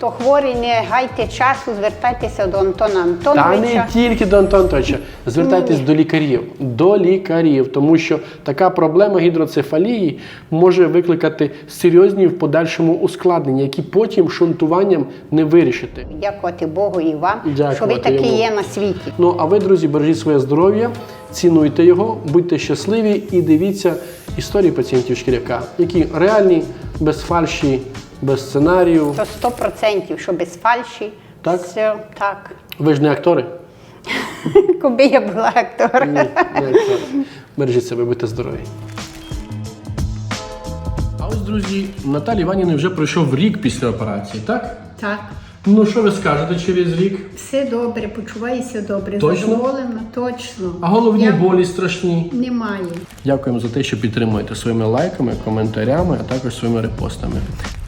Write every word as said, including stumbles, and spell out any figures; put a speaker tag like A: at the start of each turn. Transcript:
A: хто хворий, не гайте часу, звертайтеся до Антона
B: Та
A: Антоновича.
B: не тільки до Антона Антоновича. Звертайтесь до лікарів. До лікарів. Тому що така проблема гідроцефалії може викликати серйозні в подальшому ускладнення, які потім шунтуванням не вирішити.
A: Дякувати Богу і вам,
B: Дякувати
A: що ви такі
B: йому.
A: є на світі.
B: Ну, а ви, друзі, бережіть своє здоров'я, цінуйте його, будьте щасливі і дивіться історії пацієнтів Шкіряка, які реальні, без фальші, без сценарію.
A: То сто процентів, що без фальші.
B: Так?
A: Все, так.
B: Ви ж не актори?
A: Коби я була актор.
B: Ні, не актори. Бережіть себе, будьте здорові. А ось, друзі, Наталі Іванівні вже пройшов рік після операції, так?
A: Так.
B: Ну, що ви скажете через рік?
A: Все добре, почуваюся добре,
B: Точно?
A: задоволена, точно.
B: А головні
A: Я-
B: болі страшні?
A: Немає.
B: Дякуємо за те, що підтримуєте своїми лайками, коментарями, а також своїми репостами.